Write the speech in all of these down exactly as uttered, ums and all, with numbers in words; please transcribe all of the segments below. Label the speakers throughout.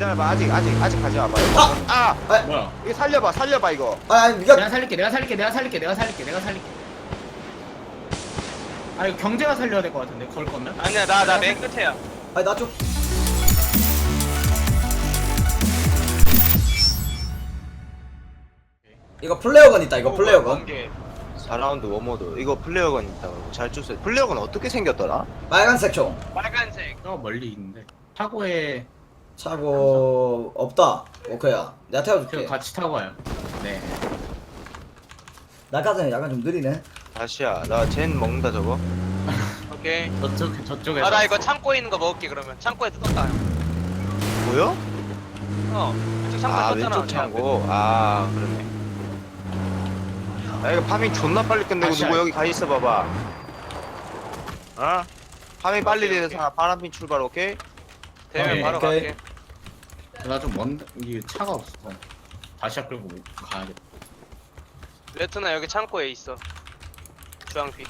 Speaker 1: 기다려봐. 아직 아직 아직 가지 마봐.
Speaker 2: 아!
Speaker 1: 아!
Speaker 2: 아,
Speaker 3: 뭐야?
Speaker 1: 이거 살려봐 살려봐 이거.
Speaker 2: 아, 아니 네가
Speaker 3: 내가 살릴게, 내가 살릴게, 내가 살릴게, 내가 살릴게, 내가 살릴게. 아 이거 경제가 살려야 될 것 같은데 걸 거면?
Speaker 4: 아니야 나 나 맨 끝에야.
Speaker 2: 아니 나 좀. 이거 플레어건 있다. 이거 플레어건.
Speaker 4: 번개.
Speaker 1: 사 라운드 워모드. 이거 플레어건 있다고. 잘 쫓아. 플레어건 어떻게 생겼더라?
Speaker 2: 빨간색 총.
Speaker 4: 빨간색.
Speaker 3: 저 멀리 있는데 차고에
Speaker 2: 차고 없다. 오케이야. 내가
Speaker 3: 제가
Speaker 2: 태워줄게.
Speaker 3: 같이 타고 와요. 네.
Speaker 2: 나까지는 약간 좀 느리네.
Speaker 1: 다시야. 나 젠 먹는다 저거.
Speaker 4: 오케이.
Speaker 3: 저쪽 저쪽에.
Speaker 4: 아 나 이거 창고에 있는 거 먹을게 그러면. 창고에 뜯었다.
Speaker 1: 보여?
Speaker 4: 어. 왼쪽 창고에
Speaker 1: 아
Speaker 4: 떴잖아.
Speaker 1: 왼쪽 창고. 아 그러네. 야 이거 파밍 존나 빨리 끝내고
Speaker 3: 다시야.
Speaker 1: 누구 여기 가 있어 봐봐. 어? 파밍 빨리
Speaker 4: 오케이,
Speaker 1: 돼서 파란핀 출발 오케이?
Speaker 4: 되면
Speaker 3: 오케이,
Speaker 4: 바로
Speaker 2: 오케이.
Speaker 4: 갈게.
Speaker 3: 나좀 먼, 이게 차가 없어. 다시 끌고 가야겠다.
Speaker 4: 레트나 여기 창고에 있어. 주황빛.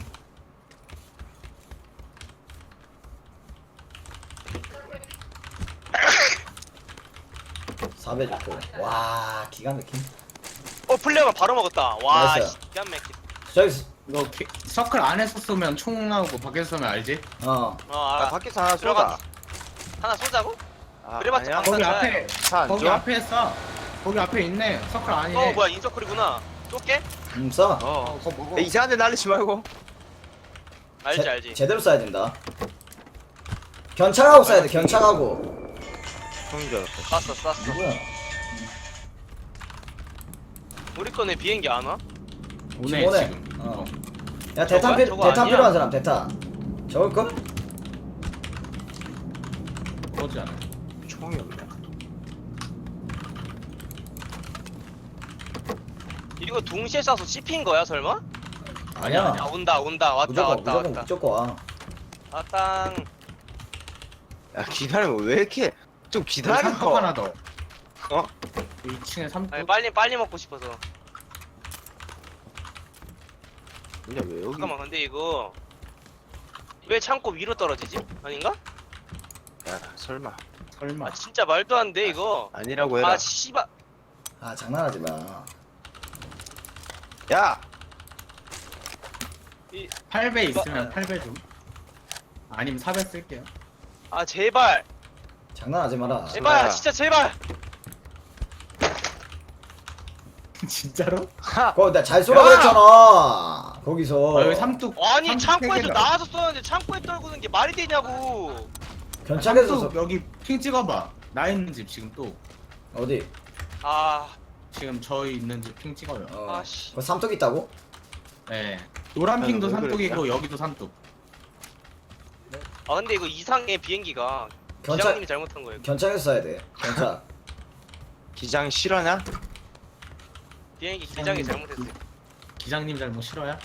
Speaker 2: 사배 좋고. 와, 기가 막힌.
Speaker 4: 어 플레어가 바로 먹었다. 와
Speaker 2: 나이스.
Speaker 4: 씨, 기가 막혀.
Speaker 2: 저기
Speaker 3: 이거 게, 서클 안에서 쏘면 총 나오고 밖에서 쏘면 알지?
Speaker 2: 어.
Speaker 4: 어
Speaker 1: 아
Speaker 4: 알아.
Speaker 1: 밖에서 하나
Speaker 4: 들어가.
Speaker 1: 쏘자.
Speaker 4: 하나 쏘자고?
Speaker 1: 아,
Speaker 4: 그래봤자
Speaker 1: 아니야?
Speaker 4: 방-
Speaker 3: 거기
Speaker 4: 맞아요.
Speaker 3: 앞에
Speaker 1: 차안
Speaker 3: 거기
Speaker 1: 줘?
Speaker 3: 앞에 쏴. 거기 앞에 있네. 서클 아니네.
Speaker 4: 어 뭐야 인서클이구나. 쏠게?
Speaker 2: 음, 써.
Speaker 3: 어,
Speaker 1: 어.
Speaker 3: 그거 먹어.
Speaker 1: 야, 이상한 데 날리지 말고.
Speaker 4: 알지
Speaker 2: 제,
Speaker 4: 알지.
Speaker 2: 제대로 쏴야 된다. 견착하고 쏴야 돼. 견착하고.
Speaker 1: 형인 줄 알았어.
Speaker 4: 쐈어 쐈어.
Speaker 2: 누구야?
Speaker 4: 우리 거네 비행기 안 와?
Speaker 3: 오네
Speaker 2: 오네.
Speaker 3: 지금.
Speaker 2: 어.
Speaker 3: 어.
Speaker 2: 야, 대탄
Speaker 4: 저거야?
Speaker 2: 필
Speaker 4: 저거
Speaker 2: 대탄
Speaker 4: 아니야?
Speaker 2: 필요한 사람 대탄. 저걸 거?
Speaker 3: 그러지 않아.
Speaker 1: 총이 없네.
Speaker 4: 이거 동시에 쏴서 씹힌 거야 설마?
Speaker 3: 아니야
Speaker 4: 아
Speaker 3: 아니야.
Speaker 4: 온다 온다 왔다
Speaker 2: 무조건
Speaker 4: 왔다
Speaker 2: 무조건
Speaker 4: 왔다.
Speaker 2: 무조건 와.
Speaker 4: 왔당.
Speaker 1: 야 기다리면 왜 이렇게 좀 기다려.
Speaker 3: 삼뚝 하나 더.
Speaker 1: 어?
Speaker 3: 이 층에 삼뚝.
Speaker 4: 아니 빨리 빨리 먹고 싶어서.
Speaker 1: 근데 왜 여기?
Speaker 4: 잠깐만 근데 이거 왜 창고 위로 떨어지지? 아닌가?
Speaker 1: 야 설마.
Speaker 3: 설마.
Speaker 4: 아 진짜 말도 안 돼 이거.
Speaker 1: 아니라고 해라.
Speaker 4: 아 씨발.
Speaker 2: 아, 장난하지 마.
Speaker 1: 야.
Speaker 4: 이,
Speaker 3: 팔 배
Speaker 4: 이거-
Speaker 3: 있으면 팔 배 좀. 아니면 사 배 쓸게요.
Speaker 4: 아 제발
Speaker 2: 장난하지 마라.
Speaker 4: 제발
Speaker 1: 제발.
Speaker 4: 진짜 제발.
Speaker 3: 진짜로?
Speaker 2: 그거 내가 잘 쏘라고
Speaker 1: 야!
Speaker 2: 했잖아. 거기서.
Speaker 3: 아, 여기 삼뚝.
Speaker 4: 아니
Speaker 3: 삼뚝 세
Speaker 4: 창고에서
Speaker 3: 개가.
Speaker 4: 나와서 쏘는데 창고에 떨구는 게 말이 되냐고.
Speaker 2: 견착해서
Speaker 3: 삼뚝
Speaker 2: 쏘.
Speaker 3: 여기 핑 찍어봐. 나 있는 집 지금 또.
Speaker 2: 어디?
Speaker 4: 아
Speaker 3: 지금 저희 있는 집 핑 찍어요.
Speaker 2: 어.
Speaker 4: 아씨.
Speaker 2: 그 삼뚝 있다고?
Speaker 3: 네. 노란
Speaker 1: 아유,
Speaker 3: 핑도
Speaker 1: 왜
Speaker 3: 삼뚝이고
Speaker 1: 그랬냐?
Speaker 3: 여기도 삼뚝.
Speaker 4: 아 근데 이거 이상해 비행기가.
Speaker 2: 견착
Speaker 4: 기장님이 잘못한 거예요.
Speaker 2: 견착해서 쏴야 돼. 견착.
Speaker 1: 기장 실화냐?
Speaker 4: 비행기 기장이 잘못했어요.
Speaker 3: 기장님 잘못 싫어요?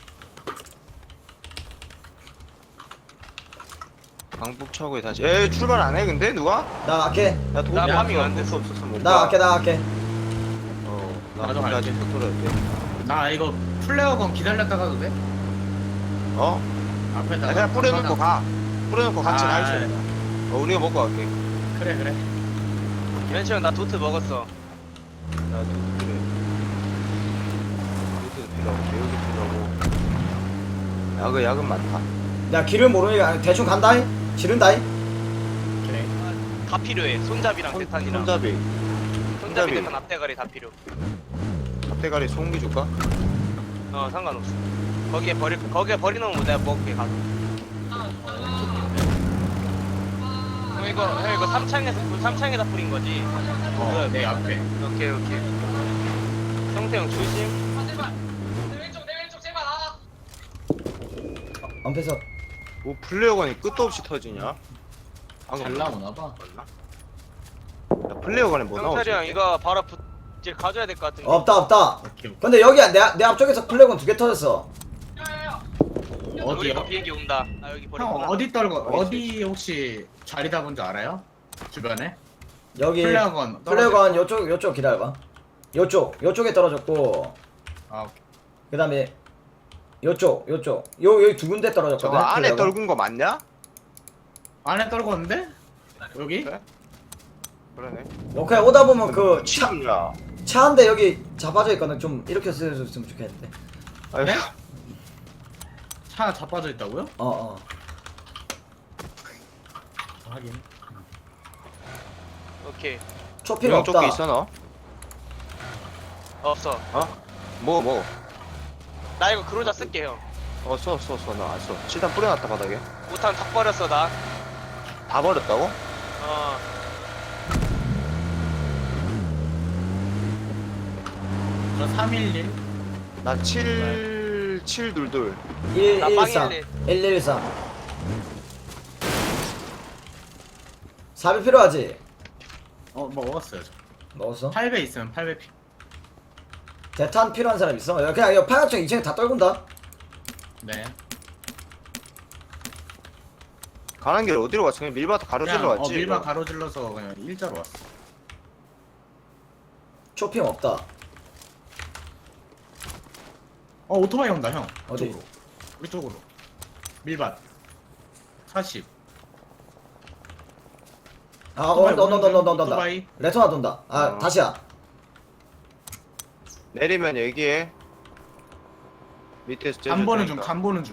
Speaker 1: 광북차고에 다시. 에 출발 안 해 근데 누가?
Speaker 2: 나 갈게.
Speaker 1: 나 돈.
Speaker 4: 나
Speaker 1: 야,
Speaker 4: 파밍 안
Speaker 1: 돈
Speaker 4: 됐어.
Speaker 1: 없어서 못
Speaker 2: 나
Speaker 1: 가.
Speaker 2: 갈게. 나 갈게.
Speaker 1: 어. 나
Speaker 3: 나도
Speaker 1: 돈
Speaker 3: 갈게.
Speaker 1: 아직 못 돌아야 돼.
Speaker 3: 나 이거 플레어건 기다렸다 가도 돼?
Speaker 1: 어?
Speaker 3: 앞에다.
Speaker 1: 아, 그냥 뿌려놓고 가. 뿌려놓고 같이
Speaker 3: 아,
Speaker 1: 가 있어. 어 우리가 먹고 갈게.
Speaker 3: 그래 그래.
Speaker 4: 멘치 형나 도트 먹었어.
Speaker 1: 나도 그래. 이것도 필요하고 배우도 필요하고. 야그 야근 많다.
Speaker 2: 야, 길을 모르니까 대충 간다잉. 지른다잉.
Speaker 3: 그래.
Speaker 4: 다 필요해. 손잡이랑
Speaker 1: 손-
Speaker 4: 대탄이랑.
Speaker 1: 손잡이.
Speaker 4: 손잡이
Speaker 1: 손잡이.
Speaker 4: 대탄 앞대가리 다 필요.
Speaker 1: 앞대가리 소음기 줄까?
Speaker 4: 어 상관없어. 거기에 버리 거기에 버리는 거 내가 먹을게 가서. 형 이거 형 이거 삼창에서 삼창에다 뿌린 거지.
Speaker 3: 어, 내 앞에.
Speaker 4: 오케이 오케이. 성태 형 조심.
Speaker 2: 엄폐서.
Speaker 1: 뭐 플레어건이 끝도 없이 터지냐? 방금
Speaker 3: 잘 나오나 봐.
Speaker 1: 야, 플레어건에 뭐 나오지?
Speaker 4: 형철이 형 이거 바로 부, 이제 가져야 될 것 같은데.
Speaker 2: 없다, 없다.
Speaker 3: 오케이. 오케이.
Speaker 2: 근데 여기 내, 내 앞쪽에서 플래곤 두 개 터졌어.
Speaker 4: 우리
Speaker 3: 어디요?
Speaker 4: 거 비행기 온다. 아 여기
Speaker 3: 형
Speaker 4: 버리구나.
Speaker 3: 어디 떨고
Speaker 1: 어디
Speaker 3: 어디 혹시 자리 잡은 줄 알아요? 주변에?
Speaker 2: 여기
Speaker 3: 플레어건.
Speaker 2: 플래곤 요쪽 요쪽 기다려봐. 요쪽 요쪽에 떨어졌고
Speaker 3: 아 오케이.
Speaker 2: 그다음에 요쪽 요쪽 요 여기 두 군데 떨어졌거든.
Speaker 1: 저거 안에
Speaker 2: 플래곤.
Speaker 1: 떨군 거 맞냐?
Speaker 3: 안에 떨궜는데? 여기?
Speaker 1: 그래? 그러네.
Speaker 2: 너 그냥 오다 보면 그 차
Speaker 1: 치야.
Speaker 2: 차 한 대 여기 잡아져 있거든. 좀 이렇게 쓰였으면 좋겠는데.
Speaker 1: 아니,
Speaker 3: 네? 차 자빠져 있다고요?
Speaker 2: 어 어.
Speaker 3: 하긴.
Speaker 4: 오케이.
Speaker 2: 초피가
Speaker 1: 이런 쪽에
Speaker 2: 없다.
Speaker 1: 있어 너?
Speaker 4: 없어.
Speaker 1: 뭐 뭐?
Speaker 4: 나 이거 그로자 쓸게 형.
Speaker 1: 어 써 써 써 나 안 써. 칠단 뿌려놨다 바닥에.
Speaker 4: 오탄 다 버렸어 나.
Speaker 1: 다 버렸다고?
Speaker 4: 어.
Speaker 3: 저 삼일일.
Speaker 1: 나 칠, 칠둘둘.
Speaker 4: 나
Speaker 2: 일일삼
Speaker 4: 빵일일.
Speaker 2: 일일삼. 사비 필요하지?
Speaker 3: 어, 뭐 먹었어요, 저.
Speaker 2: 먹었어?
Speaker 3: 팔 배 있으면 팔 배 피.
Speaker 2: 대탄 필요한 사람 있어? 야, 그냥 이 파격증 이 층에 다 떨군다.
Speaker 3: 네.
Speaker 1: 가는 길 어디로 갔어? 그냥 밀바닥 가로질러
Speaker 3: 그냥,
Speaker 1: 왔지.
Speaker 3: 어, 밀바
Speaker 1: 이거.
Speaker 3: 가로질러서 그냥 일자로 왔어.
Speaker 2: 초핑 없다.
Speaker 3: 어, 오토바이 온다, 형.
Speaker 2: 어디?
Speaker 3: 이쪽으로. 우리 쪽으로. 밀밭. 사십.
Speaker 2: 아, 어, 온다, 온다, 온다, 온다, 온다, 온다.
Speaker 3: 오토바이.
Speaker 2: 레토나 돈다. 아,
Speaker 1: 어.
Speaker 2: 다시야.
Speaker 1: 내리면 얘기해. 밑에서
Speaker 3: 간 보는 중,
Speaker 1: 테니까.
Speaker 3: 간 보는 중.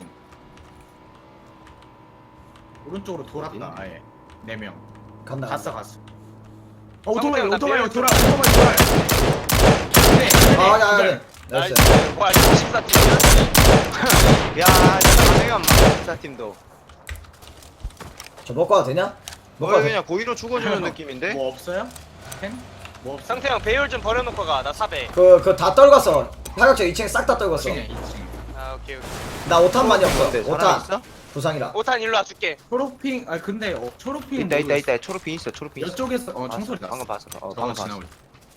Speaker 3: 오른쪽으로 돌았다,
Speaker 1: 어디?
Speaker 3: 아예. 네 명.
Speaker 2: 간다.
Speaker 3: 갔어,
Speaker 2: 간다.
Speaker 3: 갔어. 어, 오토바이,
Speaker 4: 상대가
Speaker 3: 오토바이,
Speaker 4: 나
Speaker 3: 돌아, 오토바이, 돌아. 네, 네,
Speaker 2: 아, 야, 야,
Speaker 3: 기다려.
Speaker 2: 야. 나이스.
Speaker 4: 나이스. 뭐야 이거 십사 팀이야?
Speaker 1: 야, 진짜 가능한 마스터팀도.
Speaker 2: 저 먹고 와도 되냐? 먹고
Speaker 1: 거의
Speaker 2: 와도
Speaker 1: 그냥 고의로 죽어주는 느낌인데?
Speaker 3: 뭐 없어요? 펜? 뭐 없어?
Speaker 4: 상태 형 배율 좀 버려놓고 가. 나 사배.
Speaker 2: 그, 그 다 떨궜어. 파격증 이 층에 싹 다 떨궜어.
Speaker 3: 이 층에, 이 층.
Speaker 4: 아 오케이 오케이.
Speaker 2: 나 오탄만이 없어.
Speaker 1: 근데 사람
Speaker 2: 오탄.
Speaker 1: 있어?
Speaker 2: 부상이라.
Speaker 4: 오탄 일로 와 줄게.
Speaker 3: 초록핑, 아 근데 어, 초록핑
Speaker 1: 있다 있다 있다. 초록핀 있어 초록핀 있어.
Speaker 3: 이쪽에서 어
Speaker 1: 봤어,
Speaker 3: 청소리 났어.
Speaker 1: 방금 봤어. 어,
Speaker 3: 저거
Speaker 1: 방금 봤어.
Speaker 3: 지나올.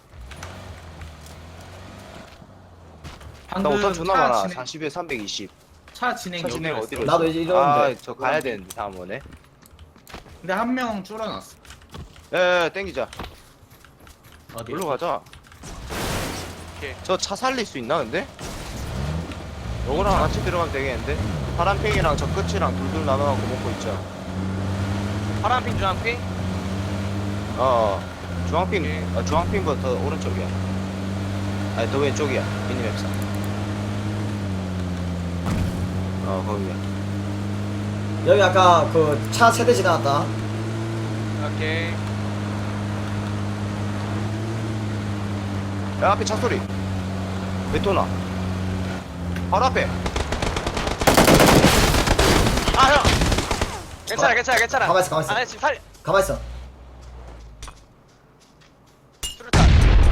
Speaker 1: 나
Speaker 3: 방금
Speaker 1: 오탄 존나
Speaker 3: 차
Speaker 1: 많아.
Speaker 3: 진행,
Speaker 1: 사십에 삼백이십.
Speaker 3: 차 진행
Speaker 1: 차
Speaker 3: 여기
Speaker 1: 진행
Speaker 3: 갔어.
Speaker 1: 어디로
Speaker 2: 나도
Speaker 1: 있어?
Speaker 2: 이제 이러는데.
Speaker 1: 아, 저 가야 되는데 다음번에.
Speaker 3: 근데 한 명 줄어놨어.
Speaker 1: 에, 땡기자.
Speaker 3: 어디?
Speaker 1: 여기로 가자.
Speaker 4: 오케이.
Speaker 1: 저 차 살릴 수 있나 근데? 요거랑 같이 들어가면 되겠는데? 파란팽이랑 저 끝이랑 둘둘 나눠갖고 먹고 있자.
Speaker 4: 파란핑 주황핑.
Speaker 1: 어, 주황핑,
Speaker 4: 오케이.
Speaker 1: 아, 주황핑부터 오른쪽이야. 아니, 더 왼쪽이야. 미니맵상. 어, 거기야.
Speaker 2: 여기 아까 그 차 세대 지나갔다.
Speaker 4: 오케이.
Speaker 1: 야, 앞에 차 소리. 베토나. 바로 앞에.
Speaker 4: 아 형. 괜찮아 괜찮아 괜찮아.
Speaker 2: 가만 있어, 가만 있어.
Speaker 4: 아 지금 살.
Speaker 2: 가만 있어.
Speaker 4: 수류탄.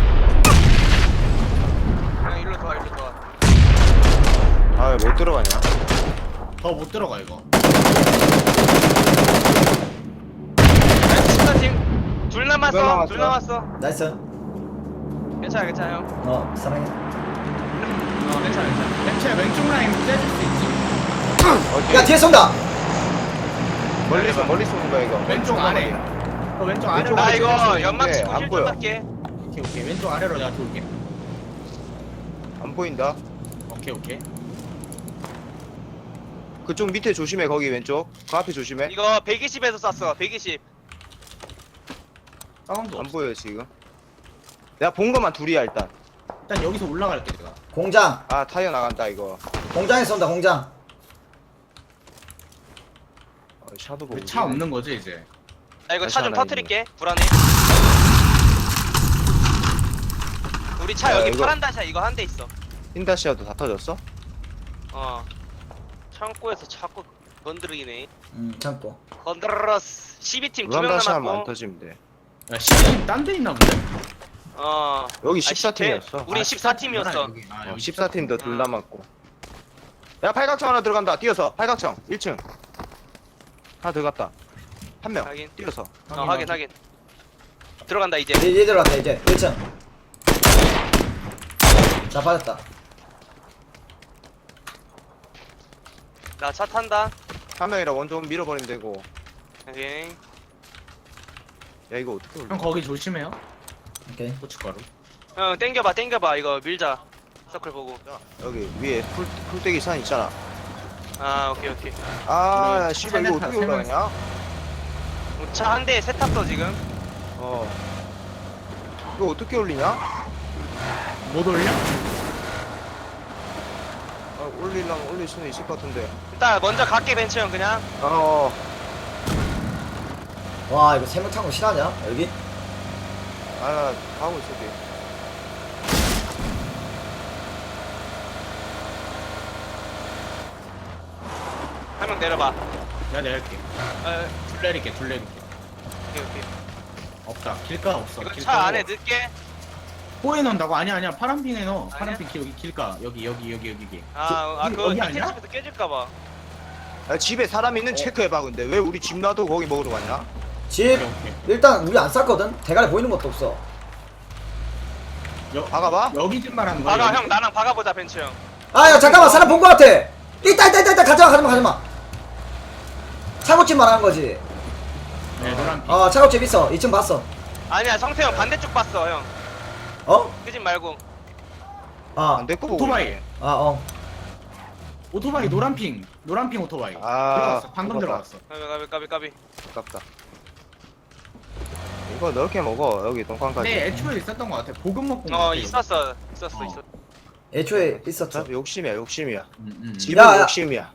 Speaker 4: 그냥 일로 들어와 일로 들어와.
Speaker 1: 아, 왜 못 들어가냐?
Speaker 3: 더 못 들어가 이거.
Speaker 4: 나이스 십사 팀. 둘 남았어.
Speaker 1: 둘 남았어.
Speaker 4: 둘 남았어.
Speaker 2: 나이스.
Speaker 4: 괜찮아 괜찮아 형.
Speaker 2: 어, 사랑해.
Speaker 4: 어 괜찮아 괜찮아.
Speaker 3: 벤츠야 왼쪽 라인 떼줄 수 있지.
Speaker 1: 어디?
Speaker 2: 야, 뒤에 쏜다.
Speaker 1: 멀리서, 멀리 쏘는 거야, 이거.
Speaker 3: 왼쪽 아래. 어, 왼쪽 아래로.
Speaker 4: 나
Speaker 1: 왼쪽으로
Speaker 4: 이거
Speaker 1: 찍어서
Speaker 4: 연막
Speaker 1: 있는데
Speaker 4: 치고
Speaker 1: 안
Speaker 4: 힐
Speaker 1: 보여.
Speaker 4: 좀 할게.
Speaker 3: 오케이 오케이 왼쪽 아래로 내가 돌게.
Speaker 1: 안 보인다.
Speaker 3: 오케이 오케이.
Speaker 1: 그쪽 밑에 조심해, 거기 왼쪽. 그 앞에 조심해.
Speaker 4: 이거 백이십에서 쐈어. 백이십.
Speaker 3: 사운드
Speaker 1: 안
Speaker 3: 없어.
Speaker 1: 보여, 지금. 내가 본 것만 둘이야, 일단.
Speaker 3: 일단 여기서 올라갈게 내가.
Speaker 2: 공장.
Speaker 1: 아, 타이어 나간다, 이거.
Speaker 2: 공장에 쏜다, 공장.
Speaker 1: 어, 샤도 보고.
Speaker 3: 우리 차 없는 거지 이제.
Speaker 4: 나 이거 차 좀
Speaker 1: 괜찮아,
Speaker 4: 터트릴게. 불안해. 우리 차
Speaker 1: 야,
Speaker 4: 여기
Speaker 1: 이거-
Speaker 4: 파란 다시야 이거 한 대 있어.
Speaker 1: 힌다시아도 다 터졌어?
Speaker 4: 어. 창고에서 자꾸 건드리네.
Speaker 2: 음, 참고.
Speaker 4: 건드러스. 십이 팀 두 명
Speaker 1: 우람다시아만 안
Speaker 4: 남았고.
Speaker 1: 터지면 돼.
Speaker 3: 야 시즌 딴데 있나 본데?
Speaker 4: 어.
Speaker 1: 여기
Speaker 4: 아,
Speaker 1: 십사 팀이었어.
Speaker 4: 십 대- 우리 십사 팀이었어.
Speaker 3: 여기. 아,
Speaker 1: 어,
Speaker 3: 여기
Speaker 1: 십사 팀도 둘
Speaker 4: 음.
Speaker 1: 남았고. 야, 팔각정 하나 들어간다. 뛰어서. 팔각정. 일 층. 하나 들어갔다. 한 명.
Speaker 4: 확인.
Speaker 1: 뛰어서.
Speaker 4: 어 확인 확인. 들어간다 이제.
Speaker 2: 얘, 얘 들어갔다, 이제. 일 층. 자, 빠졌다.
Speaker 4: 나 차 탄다.
Speaker 1: 한 명이라 원좀 밀어버리면 되고.
Speaker 4: 오케이.
Speaker 1: 야, 이거 어떻게 올려?
Speaker 3: 형 거기 조심해요.
Speaker 2: 오케이.
Speaker 3: 고춧가루.
Speaker 4: 형 땡겨봐 땡겨봐 이거 밀자. 서클 보고.
Speaker 1: 여기 위에 풀, 풀떼기 산 있잖아.
Speaker 4: 아 오케이 오케이.
Speaker 1: 아,
Speaker 3: 우리
Speaker 1: 씨발, 이거
Speaker 3: 세
Speaker 1: 어떻게
Speaker 3: 명, 세
Speaker 1: 올라가냐?
Speaker 4: 차 한 대에 세 탔어 지금.
Speaker 1: 어. 이거 어떻게 올리냐?
Speaker 3: 못 올려?
Speaker 1: 아, 올리려면 올릴 수는 있을 것 같은데.
Speaker 4: 일단 먼저 갈게 벤츠 형 그냥.
Speaker 1: 어.
Speaker 2: 와 이거 세명 타고 실하냐 여기?
Speaker 1: 아, 나 가고 있을게.
Speaker 4: 한 명 내려봐.
Speaker 3: 내가 내릴게.
Speaker 4: 어,
Speaker 3: 둘 내릴게, 둘 내릴게.
Speaker 4: 오케이 오케이.
Speaker 3: 없다. 길가 없어.
Speaker 4: 이거
Speaker 3: 길가
Speaker 4: 차 안에 넣을게.
Speaker 3: 호에 넣는다고? 아니야, 아니야. 파란핑에 넣어.
Speaker 4: 아니야?
Speaker 3: 파란핑 기- 여기 길가. 여기, 여기, 여기, 여기. 여기.
Speaker 4: 아, 아
Speaker 3: 여기-
Speaker 4: 그거
Speaker 3: 여기
Speaker 4: 히트
Speaker 3: 아니야?
Speaker 4: 집에서 깨질까봐.
Speaker 1: 야, 집에 사람 있는
Speaker 3: 어.
Speaker 1: 체크해봐. 근데 왜 우리 집 놔도 거기 먹으러 갔냐?
Speaker 2: 집
Speaker 3: 오케이, 오케이.
Speaker 2: 일단 우리 안 쌌거든? 대가리 보이는 것도 없어.
Speaker 3: 여,
Speaker 1: 박아봐?
Speaker 3: 여기 집 말하는 거야?
Speaker 4: 박아
Speaker 3: 여기?
Speaker 4: 형 나랑 박아보자 벤츠 형.
Speaker 2: 아 야 잠깐만 사람 본 거 같아. 있다 있다 있다 있다 가지마 가지마 가지마. 차고집 말하는 거지.
Speaker 3: 네, 노란핑.
Speaker 2: 어 차고집 있어. 이 층 봤어.
Speaker 4: 아니야 성태 형 반대쪽 봤어 형.
Speaker 2: 어?
Speaker 4: 그 집 말고.
Speaker 2: 아,
Speaker 1: 안 됐고
Speaker 3: 오토바이.
Speaker 2: 아 어.
Speaker 3: 오토바이 노란핑. 노란핑 오토바이.
Speaker 1: 아,
Speaker 3: 들어갔어. 방금
Speaker 1: 먹었다.
Speaker 3: 들어갔어.
Speaker 4: 까비 까비 까비 까비.
Speaker 1: 아깝다. 이거 넓게 먹어. 여기 동광까지.
Speaker 3: 근데 애초에 있었던 것 같아. 보급 먹고.
Speaker 4: 어 있었어 있었어
Speaker 3: 어.
Speaker 4: 있었어.
Speaker 2: 애초에 있었죠.
Speaker 1: 어차피 욕심이야, 욕심이야.
Speaker 3: 음, 음.
Speaker 1: 집은
Speaker 2: 야, 야.
Speaker 1: 욕심이야.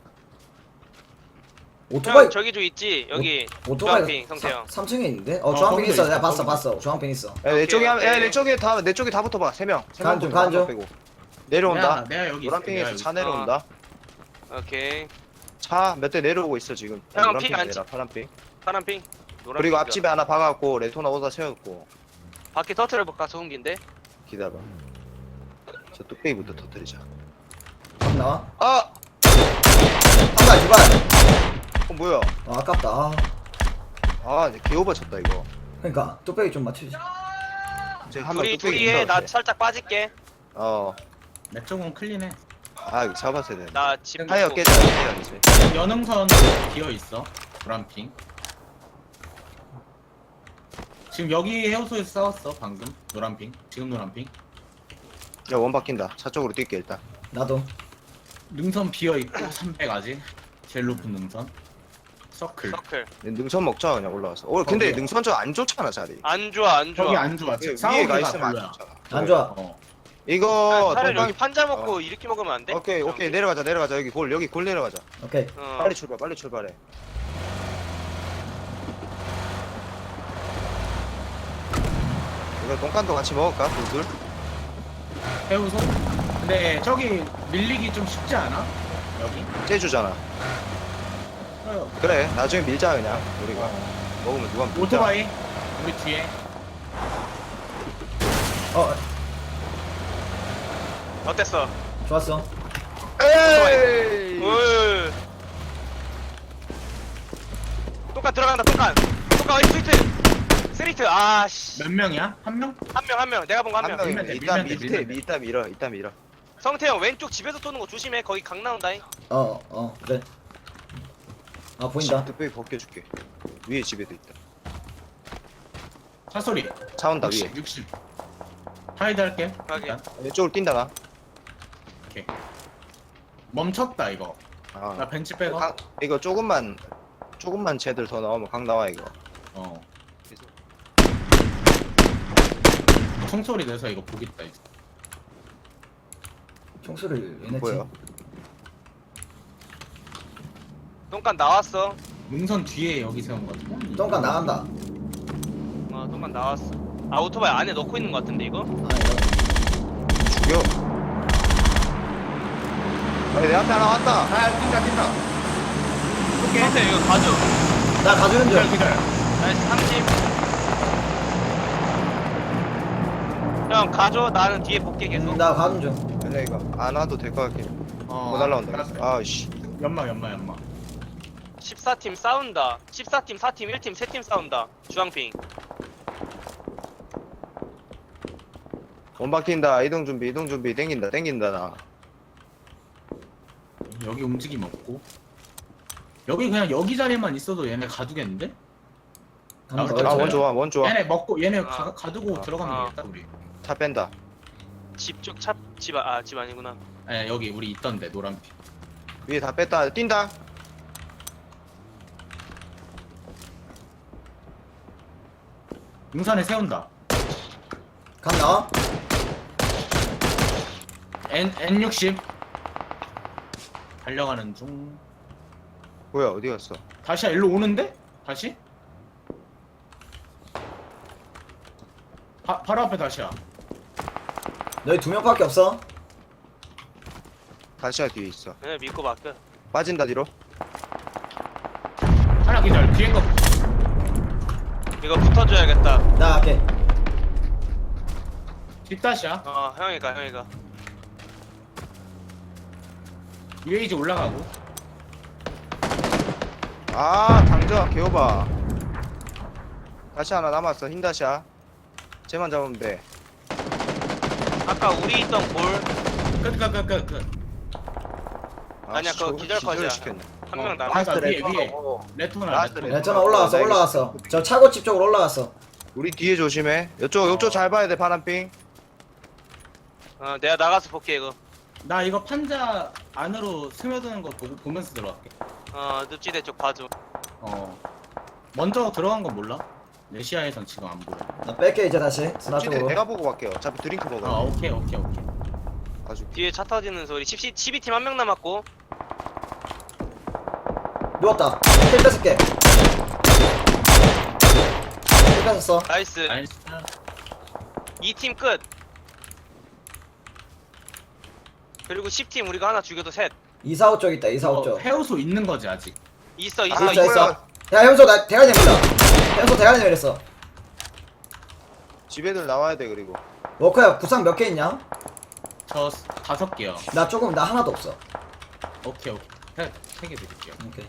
Speaker 2: 오토바이
Speaker 4: 형 저기 좀 있지 여기.
Speaker 2: 오토바이
Speaker 4: 주황핑 성태 형.
Speaker 2: 삼 층에 있는데? 어
Speaker 3: 어,
Speaker 2: 주황핑
Speaker 3: 거기도
Speaker 2: 있어.
Speaker 3: 있어,
Speaker 2: 내가 봤어
Speaker 3: 거기도
Speaker 2: 봤어. 주황핑 있어.
Speaker 1: 야, 내
Speaker 4: 오케이,
Speaker 1: 쪽에 한,
Speaker 4: 오케이.
Speaker 1: 야, 내 쪽에 다, 내 쪽에 다 붙어봐. 세 명. 세 명.
Speaker 2: 간중,
Speaker 1: 붙어,
Speaker 2: 간중.
Speaker 1: 한명 빼고. 내려온다.
Speaker 3: 내가, 내가 여기 있을게, 내가
Speaker 1: 노란핑에서
Speaker 3: 여기
Speaker 1: 차
Speaker 3: 있을게.
Speaker 1: 내려온다.
Speaker 4: 오케이.
Speaker 1: 차 몇 대 내려오고 있어 지금.
Speaker 4: 형,
Speaker 1: 노란핑
Speaker 4: 핑 안
Speaker 1: 아니라 파란핑.
Speaker 4: 파란핑. 노란핑.
Speaker 1: 그리고 앞집에 하나 박았고 레토나 오다 세웠고.
Speaker 4: 바퀴 터트려 볼까 소음기인데.
Speaker 1: 기다려. 저 뚝배기부터 터뜨리자.
Speaker 2: 안 나와?
Speaker 1: 아!
Speaker 2: 한발 두발.
Speaker 1: 어 뭐야?
Speaker 2: 아, 아깝다. 아,
Speaker 1: 아, 이제 개오버 쳤다 이거.
Speaker 2: 그러니까 뚝배기 좀 맞추지.
Speaker 1: 제가 한번
Speaker 4: 둘이
Speaker 1: 뚝배기
Speaker 4: 둘이 해. 나
Speaker 1: 있어.
Speaker 4: 살짝 빠질게.
Speaker 1: 어.
Speaker 3: 내 쪽은 클린해.
Speaker 1: 아, 이거 잡았어야 되는데.
Speaker 4: 나집
Speaker 1: 타이어 깨져 깨야지.
Speaker 3: 연흥선 비어 있어. 노란핑. 지금 여기 해우소에서 싸웠어 방금. 노란핑. 지금 노란핑.
Speaker 1: 야, 원 바뀐다. 차 쪽으로 뛸게 일단.
Speaker 2: 나도.
Speaker 3: 능선 비어 있고 삼백 아직. 제일 높은 능선. 서클.
Speaker 4: 서클.
Speaker 1: 능선 먹자 그냥 올라와서. 어, 근데
Speaker 3: 거기야.
Speaker 1: 능선 저 안 좋잖아 자리.
Speaker 4: 안 좋아 안 좋아.
Speaker 3: 저기 안 좋아.
Speaker 1: 위에
Speaker 3: 싸우기가
Speaker 1: 가 있으면 안
Speaker 3: 별로야.
Speaker 1: 좋잖아.
Speaker 2: 안 좋아.
Speaker 3: 어.
Speaker 1: 이거
Speaker 4: 차라리
Speaker 1: 동강.
Speaker 4: 여기 판자 먹고
Speaker 1: 어.
Speaker 4: 이렇게 먹으면 안 돼?
Speaker 1: 오케이 오케이
Speaker 4: 형?
Speaker 1: 내려가자 내려가자 여기 골 여기 골 내려가자.
Speaker 2: 오케이.
Speaker 4: 어.
Speaker 1: 빨리 출발 빨리 출발해. 이거 똥간도 같이 먹을까 둘둘?
Speaker 3: 해우소. 근데 저기 밀리기 좀 쉽지 않아? 여기.
Speaker 1: 째주잖아.
Speaker 3: 어.
Speaker 1: 그래 나중에 밀자 그냥 우리가 먹으면 누가 밀자.
Speaker 3: 오토바이. 우리 뒤에.
Speaker 2: 어
Speaker 4: 어땠어?
Speaker 2: 좋았어.
Speaker 1: 에이.
Speaker 4: 올. 똑같 들어간다 똑같. 똑같 어이 스위트. 스리트 아씨.
Speaker 3: 몇 명이야? 한 명?
Speaker 4: 한 명 한 명. 내가 본 거 한
Speaker 1: 한
Speaker 4: 명.
Speaker 1: 명이
Speaker 3: 밀면 돼,
Speaker 1: 이따
Speaker 3: 밀면 돼,
Speaker 1: 밑에
Speaker 3: 밀면 돼.
Speaker 1: 이따 밀어 이따 밀어.
Speaker 4: 성태 형 왼쪽 집에서 쏘는 거 조심해. 거기 강 나온다잉.
Speaker 2: 어 어 그래. 아 보인다.
Speaker 1: 뚝배기 벗겨줄게. 위에 집에도 있다.
Speaker 3: 차 소리.
Speaker 1: 차 온다 위에.
Speaker 3: 육십. 육십. 하이드 할게.
Speaker 4: 확인.
Speaker 3: 일단.
Speaker 1: 왼쪽으로 뛴다 나.
Speaker 3: 오케이. 멈췄다 이거.
Speaker 1: 아.
Speaker 3: 나 벤치 빼고.
Speaker 1: 강, 이거 조금만 조금만 쟤들 더 나오면 강 나와 이거.
Speaker 3: 어. 총소리 내서 이거 보겠다 이제.
Speaker 2: 총소리를 왜 냈지?
Speaker 1: 뭐야?
Speaker 4: 똥간 나왔어.
Speaker 3: 능선 뒤에 여기 세운 거 같아.
Speaker 2: 똥간 나간다.
Speaker 4: 어 똥간 나왔어. 아 오토바이 안에 넣고 있는 거 같은데 이거?
Speaker 2: 아 이거.
Speaker 1: 죽여. 아니 내 앞에 하나 왔다.
Speaker 3: 아 뛴다 뛴다.
Speaker 4: 성태 이거 가져.
Speaker 2: 나 가주는
Speaker 3: 기다려
Speaker 2: 중.
Speaker 3: 기다려.
Speaker 4: 나이스 삼십. 형 가져. 나는 뒤에 볼게 계속.
Speaker 2: 음, 나 가는 중.
Speaker 1: 아니야 이거 안 와도 될 것 같긴.
Speaker 3: 어.
Speaker 1: 못 날라온다.
Speaker 3: 알았어.
Speaker 1: 아씨.
Speaker 3: 연마 연마 연마.
Speaker 4: 십사 팀 싸운다. 십사 팀, 사 팀, 일 팀, 세 팀 싸운다. 주황핑.
Speaker 1: 원 바뀐다. 이동 준비 이동 준비 땡긴다 땡긴다 나.
Speaker 3: 여기 움직임 없고. 여기 그냥 여기 자리만 있어도 얘네 가두겠는데?
Speaker 2: 한번
Speaker 3: 아,
Speaker 2: 더.
Speaker 3: 그래?
Speaker 1: 아원 좋아 원 좋아.
Speaker 3: 얘네 먹고 얘네
Speaker 4: 아.
Speaker 3: 가, 가두고
Speaker 1: 아.
Speaker 3: 들어가면
Speaker 4: 아.
Speaker 3: 되겠다 우리.
Speaker 1: 차 뺀다.
Speaker 4: 집 쪽 차, 집, 아, 집 아니구나.
Speaker 3: 예 여기 우리 있던데 노란빛.
Speaker 1: 위에 다 뺐다. 뛴다.
Speaker 3: 능선에 세운다.
Speaker 2: 감 나와?
Speaker 3: N N 육십 달려가는 중.
Speaker 1: 뭐야 어디 갔어?
Speaker 3: 다시야 일로 오는데? 다시? 바, 바로 앞에 다시야.
Speaker 2: 너희 두 명밖에 없어?
Speaker 1: 다시야 뒤에 있어.
Speaker 4: 그냥 믿고 맡겨.
Speaker 1: 빠진다 뒤로.
Speaker 3: 하나 기절. 뒤에 거.
Speaker 4: 이거 붙어줘야겠다.
Speaker 2: 나 갈게.
Speaker 3: 뒷다시야.
Speaker 4: 어 형이가 형이가.
Speaker 3: 유에이지 올라가고.
Speaker 1: 아 당저 개오바. 다시 하나 남았어. 흰 다시야. 쟤만 잡으면 돼.
Speaker 4: 아까 우리 있던 골
Speaker 3: 끝, 끝, 끝, 끝, 끝.
Speaker 1: 아,
Speaker 4: 아니야,
Speaker 1: 씨,
Speaker 4: 그거
Speaker 1: 저거
Speaker 4: 기절 컷이야.
Speaker 1: 시켰네.
Speaker 4: 한 명
Speaker 3: 어,
Speaker 4: 남았어.
Speaker 3: 라스트 위에,
Speaker 1: 레터너
Speaker 3: 위에.
Speaker 1: 먹어.
Speaker 3: 레토나,
Speaker 1: 라스트
Speaker 3: 레토나.
Speaker 2: 야, 전화 올라왔어, 올라왔어. 저 차고집 쪽으로 올라왔어.
Speaker 1: 우리 뒤에 조심해. 이쪽 이쪽 잘 봐야 돼 파란핑.
Speaker 4: 어 내가 나가서 볼게 이거.
Speaker 3: 나 이거 판자 안으로 스며드는 거 보고, 보면서 들어갈게.
Speaker 4: 어 늪지대 쪽 봐줘.
Speaker 3: 어. 먼저 들어간 건 몰라? 레시아에선 지금 안 보여.
Speaker 2: 나 뺄게 이제 다시 스나
Speaker 1: 찌대
Speaker 2: 쪽으로.
Speaker 1: 내가 보고 갈게요. 어차피 드링크
Speaker 3: 아,
Speaker 1: 먹어.
Speaker 3: 오케이, 오케이, 오케이.
Speaker 1: 아주.
Speaker 4: 뒤에 차 터지는 소리. 십이 팀 한 명 남았고.
Speaker 2: 누웠다. 킬 뺏을게. 킬 뺏었어.
Speaker 4: 나이스.
Speaker 3: 나이스.
Speaker 4: 이 팀 끝. 그리고 십 팀 우리가 하나 죽여도 셋.
Speaker 2: 이사오 쪽 있다. 이사오
Speaker 3: 어,
Speaker 2: 쪽.
Speaker 3: 해우소 있는 거지, 아직.
Speaker 4: 있어 있어.
Speaker 1: 아,
Speaker 2: 있어
Speaker 1: 이거야.
Speaker 2: 있어. 야 현소 나 대가리 내밀다. 현소 대가리 내밀었어.
Speaker 1: 집 애들 나와야 돼 그리고.
Speaker 2: 워커야 구상 몇 개 있냐?
Speaker 3: 저 스- 다섯 개요.
Speaker 2: 나 조금 나 하나도 없어.
Speaker 3: 오케이, 오케이. 세, 세개 드릴게요.
Speaker 2: 오케이.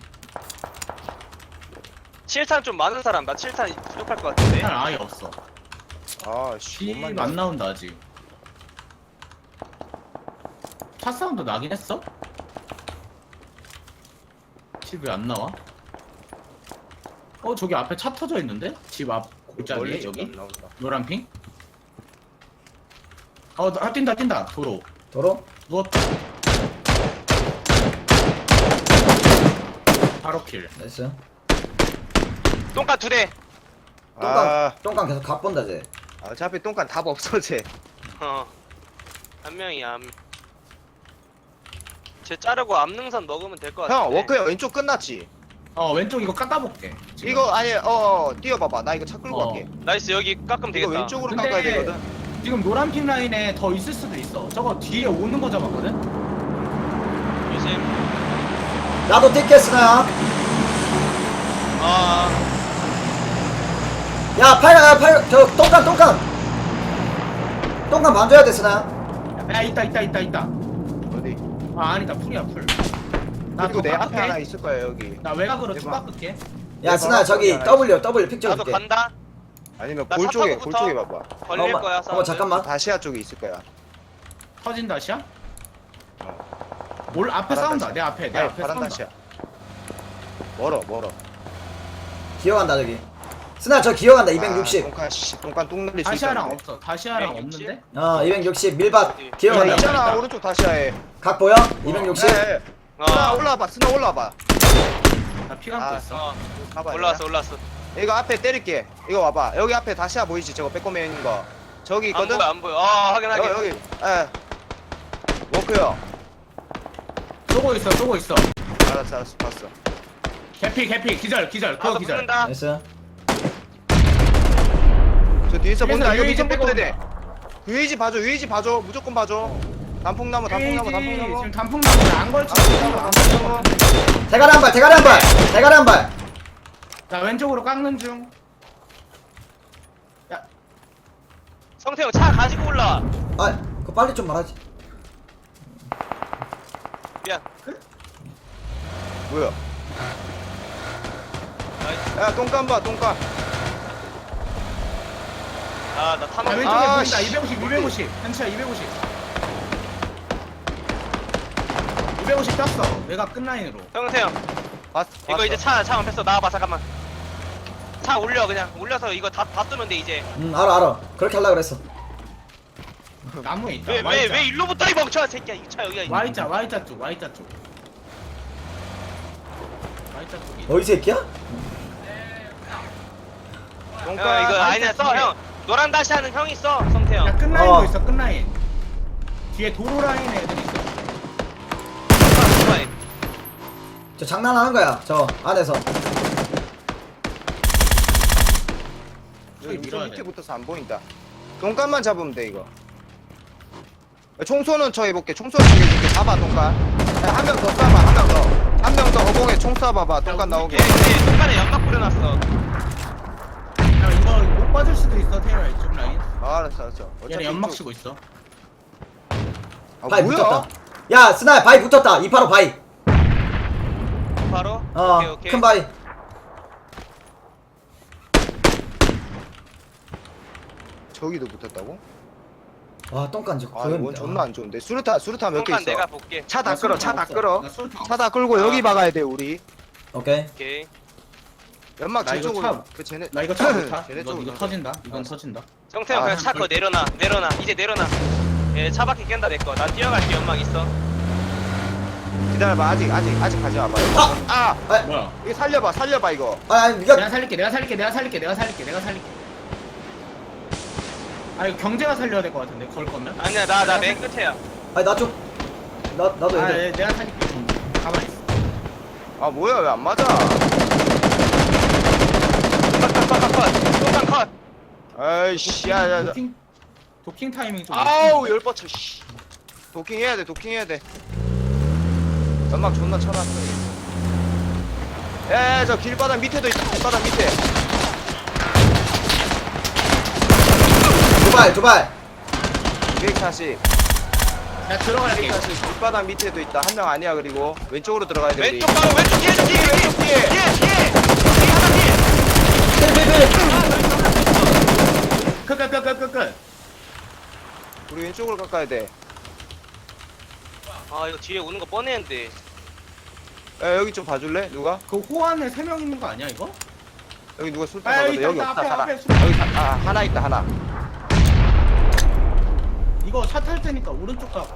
Speaker 4: 칠 탄 좀 많은 사람. 나 칠 탄 부족할 것 같은데.
Speaker 3: 일단 아예 없어.
Speaker 1: 아씨 못
Speaker 3: 집
Speaker 1: 만나.
Speaker 3: 안 나온다, 아직. 차 사운드 나긴 했어? 집 왜 안 나와? 어, 저기 앞에 차 터져 있는데? 집 앞 골짜기에,
Speaker 1: 멀리
Speaker 3: 여기?
Speaker 1: 안 나온다.
Speaker 3: 노란 핑? 어, 나- 아, 뛴다, 뛴다. 도로.
Speaker 2: 도로?
Speaker 3: 누웠다. 바로 킬.
Speaker 2: 나이스.
Speaker 4: 똥간 두 대.
Speaker 2: 똥강
Speaker 1: 아
Speaker 2: 똥강 계속 갑본다 쟤.
Speaker 1: 어차피 똥간 답 없어 쟤.
Speaker 4: 어. 한 명이야. 한 명. 쟤 자르고 앞능선 먹으면 될 것 같아.
Speaker 1: 형 워크야 왼쪽 끝났지?
Speaker 3: 어, 왼쪽 이거 깎아볼게. 지금.
Speaker 1: 이거 아니 어, 어 뛰어봐봐. 나 이거 차 끌고
Speaker 3: 어.
Speaker 1: 갈게.
Speaker 4: 나이스 여기 깎으면
Speaker 1: 이거
Speaker 4: 되겠다.
Speaker 1: 왼쪽으로
Speaker 3: 근데-
Speaker 1: 깎아야 되거든.
Speaker 3: 지금 노란 핑 라인에 더 있을 수도 있어. 저거 뒤에 오는 거 잡았거든?
Speaker 4: 조심.
Speaker 2: 나도 뛸게 스나야.
Speaker 4: 아
Speaker 2: 야 팔, 야, 팔, 저 똥강 똥강. 똥강 만져야 돼 스나야.
Speaker 3: 야, 있다, 있다, 있다, 있다.
Speaker 1: 어디?
Speaker 3: 아, 아니다. 풀이야, 풀. 나
Speaker 1: 그리고
Speaker 3: 더
Speaker 1: 내 앞에
Speaker 3: 깎을게.
Speaker 1: 하나 있을 거야 여기.
Speaker 3: 나 외곽으로 쭉
Speaker 1: 대박.
Speaker 3: 깎을게.
Speaker 2: 야 스나야 저기 W W 픽
Speaker 4: 나도
Speaker 2: 찍어줄게.
Speaker 4: 간다.
Speaker 1: 아니면
Speaker 4: 나
Speaker 1: 골
Speaker 4: 차
Speaker 1: 쪽에
Speaker 4: 타고
Speaker 1: 골
Speaker 4: 붙어.
Speaker 1: 쪽에 봐봐.
Speaker 4: 걸릴
Speaker 2: 어머,
Speaker 4: 거야.
Speaker 2: 어머
Speaker 4: 사운드.
Speaker 2: 잠깐만.
Speaker 1: 다시아 쪽에 있을 거야.
Speaker 3: 터진 다시야? 올 앞에
Speaker 1: 파란
Speaker 3: 싸운다.
Speaker 1: 다시야.
Speaker 3: 내 앞에, 내
Speaker 1: 아니,
Speaker 3: 앞에
Speaker 1: 파란
Speaker 3: 싸운다.
Speaker 1: 다시야. 멀어 멀어.
Speaker 2: 기어간다 저기. 스나 저 기어간다 이백육십.
Speaker 1: 아, 똥간 씨 똥간 똥 날릴 수
Speaker 3: 다시아랑
Speaker 1: 있다는데.
Speaker 3: 없어. 다시아랑
Speaker 4: 이백육십?
Speaker 3: 없는데?
Speaker 2: 어 이백육십 밀밭
Speaker 4: 어디?
Speaker 1: 야,
Speaker 2: 기어간다.
Speaker 3: 있잖아.
Speaker 1: 있잖아
Speaker 3: 있다.
Speaker 1: 오른쪽 다시아에.
Speaker 2: 각 보여? 이백육십.
Speaker 1: 예, 예.
Speaker 4: 어.
Speaker 1: 스나 올라와봐 스나 올라와봐.
Speaker 3: 나 피 감고
Speaker 1: 아,
Speaker 3: 있어.
Speaker 4: 어.
Speaker 1: 봐봐.
Speaker 4: 올라왔어 올라왔어.
Speaker 1: 이거 앞에 때릴게. 이거 와봐. 여기 앞에 다시아 보이지? 저거 빼꼼에 있는 거. 저기
Speaker 4: 안
Speaker 1: 있거든.
Speaker 4: 보여 안 보여. 아 확인
Speaker 1: 여기
Speaker 4: 확인.
Speaker 1: 여기. 예. 워크요.
Speaker 3: 쏘고 있어, 쏘고 있어.
Speaker 1: 알았어 알았어 봤어.
Speaker 3: 개피, 개피, 기절, 기절, 그거
Speaker 4: 나도
Speaker 3: 기절.
Speaker 4: 붙는다.
Speaker 2: 나이스.
Speaker 1: 저 뒤에서 본다. 이거
Speaker 3: 유에이지
Speaker 1: 미션
Speaker 3: 빼고
Speaker 1: 붙어야 돼. 유에이지 봐줘. 유에이지 봐줘. 무조건 봐줘. 단풍나무 단풍나무
Speaker 3: 에이지,
Speaker 1: 단풍나무.
Speaker 3: 지금 단풍나무에 안 걸쳐.
Speaker 1: 단풍나무 단풍나무.
Speaker 2: 대가리 한 발, 대가리 한 발, 대가리 한 발.
Speaker 3: 나 왼쪽으로 깎는 중. 야,
Speaker 4: 성태형 차 가지고 올라.
Speaker 2: 아, 그거 빨리 좀 말하지.
Speaker 4: 미안.
Speaker 1: 뭐야?
Speaker 4: 나이스.
Speaker 1: 야 똥간 봐 똥간.
Speaker 4: 아나 타는
Speaker 3: 나
Speaker 4: 거.
Speaker 3: 왼쪽에
Speaker 1: 아,
Speaker 3: 보인다.
Speaker 1: 씨.
Speaker 3: 이백오십, 이백오십. 현치야, 이백오십. 이백오십 떴어. 내가 끝라인으로.
Speaker 4: 성태형
Speaker 1: 봤.
Speaker 4: 이거
Speaker 1: 봤어.
Speaker 4: 이제 차 차 앞에서 나와봐 잠깐만. 차 올려 그냥 올려서 이거 다 다 쓰면 돼 이제.
Speaker 2: 응, 알아, 알아. 그렇게 하려고 그랬어.
Speaker 3: 나무에 있다.
Speaker 4: 왜 왜
Speaker 3: Y자.
Speaker 4: 왜 일로 붙어 이 멍청한 새끼야. 이 차 여기가 있네.
Speaker 3: Y자, Y자 쪽, Y자 쪽. Y자 쪽이.
Speaker 2: 너 이 새끼야?
Speaker 4: 형
Speaker 1: 똥간.
Speaker 4: 이거 아니야 써 형. 노란 다시 하는 형 있어 성태형.
Speaker 3: 야 끝라인
Speaker 2: 어.
Speaker 3: 도 있어 끝라인. 뒤에 도로 라인에 애들 있어.
Speaker 4: 오토바이.
Speaker 2: 저 장난하는 거야 저 안에서.
Speaker 1: 여기
Speaker 3: 밀어야
Speaker 1: 밑에
Speaker 3: 돼.
Speaker 1: 붙어서 안 보인다. 돈간만 잡으면 돼 이거. 총쏘는 쳐 해볼게. 총쏘는 쳐 해줄게. 잡아 돈간. 한 명 더 쏴봐. 한 명 더. 한 명 더 허공에 총 쏴봐봐. 돈간 나오게.
Speaker 4: 얘, 얘 동간에 연막 뿌려놨어.
Speaker 3: 야 이거 못 빠질 수도 있어 태열아 이쪽 라인.
Speaker 1: 아, 알았어 알았어.
Speaker 3: 얘네 연막
Speaker 1: 이쪽-
Speaker 3: 치고 있어.
Speaker 1: 아,
Speaker 2: 바위
Speaker 1: 뭐야?
Speaker 2: 붙었다. 야 스나야 바위 붙었다. 이팔오 바위.
Speaker 4: 바로.
Speaker 2: 어
Speaker 4: 오케이 오케이.
Speaker 2: 큰 바위.
Speaker 1: 저기도 붙었다고?
Speaker 2: 와 똥간지
Speaker 1: 아 이건 존나 안 좋은데. 수류탄 수류탄 몇 개
Speaker 4: 동간
Speaker 1: 있어.
Speaker 4: 내가 볼게.
Speaker 1: 차 다
Speaker 3: 나
Speaker 1: 끌어.
Speaker 3: 술탄
Speaker 1: 차 다
Speaker 3: 없어.
Speaker 1: 끌어.
Speaker 3: 나 술탄
Speaker 1: 차 다 끌고 여기 박아야 돼 우리.
Speaker 2: 오케이.
Speaker 4: 오케이.
Speaker 1: 연막
Speaker 3: 나 이거
Speaker 1: 저쪽으로.
Speaker 3: 차-
Speaker 1: 그 쟤네.
Speaker 3: 나 이거 차 못타.
Speaker 1: 쟤네
Speaker 3: 이거
Speaker 1: 쪽으로
Speaker 3: 이거
Speaker 1: 가자.
Speaker 3: 터진다. 이건
Speaker 1: 알았어.
Speaker 3: 터진다.
Speaker 4: 성태형
Speaker 1: 아,
Speaker 4: 그냥 차 거 내려놔 내려놔 이제 내려놔. 얘 차바퀴 깬다 내 거. 나 뛰어갈게 연막 있어.
Speaker 1: 기다려봐. 아직 아직 아직 가지 마봐.
Speaker 2: 아!
Speaker 1: 아!
Speaker 2: 아,
Speaker 3: 뭐야?
Speaker 1: 이거 살려봐. 살려봐 이거.
Speaker 2: 아 아니 니가
Speaker 3: 내가 살릴게. 내가 살릴게. 내가 살릴게. 내가 살릴게. 내가 살릴게. 아 이거 경제가 살려야 될 것 같은데 걸 거면?
Speaker 4: 아니야 나 나 맨 끝에야.
Speaker 2: 아니 나 좀. 나 나도
Speaker 3: 아
Speaker 2: 애들.
Speaker 3: 예, 내가 살릴게. 좀 가만히 있어.
Speaker 1: 아 뭐야 왜 안 맞아?
Speaker 4: 컷컷컷컷. 동간 컷.
Speaker 1: 아이씨 야야.
Speaker 3: 도킹 도킹 타이밍 좀.
Speaker 1: 아우 열 뻗쳐 씨. 도킹 해야 돼. 도킹 해야 돼. 연막 존나 쳐놨어. 야저 길바닥 밑에도 있다. 길바닥 밑에.
Speaker 2: 두발 두발.
Speaker 1: 이백사십.
Speaker 3: 나 들어갈게.
Speaker 1: 이백사십. 길바닥 밑에도 있다. 한 명 아니야 그리고 왼쪽으로 들어가야 돼. 우리.
Speaker 4: 왼쪽 바로 왼쪽 뒤에 뒤에 뒤에
Speaker 1: 왼쪽 뒤에.
Speaker 4: 뒤에 뒤에. 뒤에 하나 뒤에.
Speaker 2: 필필필.
Speaker 3: 끝끝끝끝끝.
Speaker 1: 우리 왼쪽으로 가까야 돼.
Speaker 4: 아 이거 뒤에 오는 거 뻔했는데.
Speaker 1: 야 여기 좀 봐줄래? 누가?
Speaker 3: 그 호안에 세 명 있는 거 아니야 이거?
Speaker 1: 여기 누가 술탄
Speaker 3: 아,
Speaker 1: 가거든.
Speaker 3: 여기
Speaker 1: 여기
Speaker 3: 있다,
Speaker 1: 없다
Speaker 3: 앞에,
Speaker 1: 하나.
Speaker 3: 앞에 술탄.
Speaker 1: 여기 하- 아 하나 있다 하나.
Speaker 3: 이거 차 탈 테니까 오른쪽 가.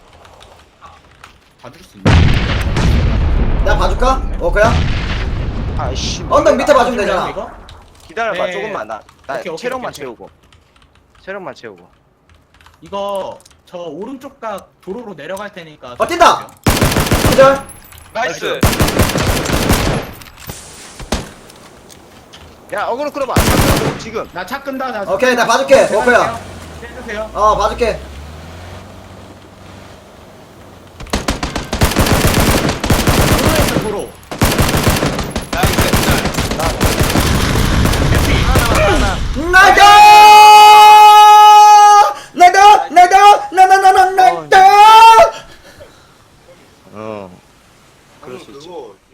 Speaker 3: 봐줄 수 있나?
Speaker 2: 내가 봐줄까? 어 그냥.
Speaker 1: 아이씨.
Speaker 2: 언덕 밑에 봐주면
Speaker 3: 봐줄래요,
Speaker 2: 되잖아.
Speaker 3: 이거?
Speaker 1: 기다려봐
Speaker 3: 네.
Speaker 1: 조금만 나. 나
Speaker 3: 오케이, 오케이,
Speaker 1: 체력만
Speaker 3: 오케이,
Speaker 1: 채우고. 체력만 채우고.
Speaker 3: 이거 저 오른쪽 각 도로로 내려갈 테니까.
Speaker 2: 어 뛴다. 기절.
Speaker 4: 나이스.
Speaker 1: 야 어그로 끌어봐. 지금.
Speaker 3: 나 차 끈다. 나
Speaker 2: 오케이, 나 봐줄게,
Speaker 3: 제가
Speaker 2: 워커야.
Speaker 3: 할게요. 해주세요.
Speaker 2: 어 봐줄게.
Speaker 3: 도로에서 도로.
Speaker 4: 나이스.
Speaker 3: 대피.
Speaker 4: 하나
Speaker 2: 나도 나도 나도 나나나나 나도.
Speaker 1: 어. 그럴 수 있지.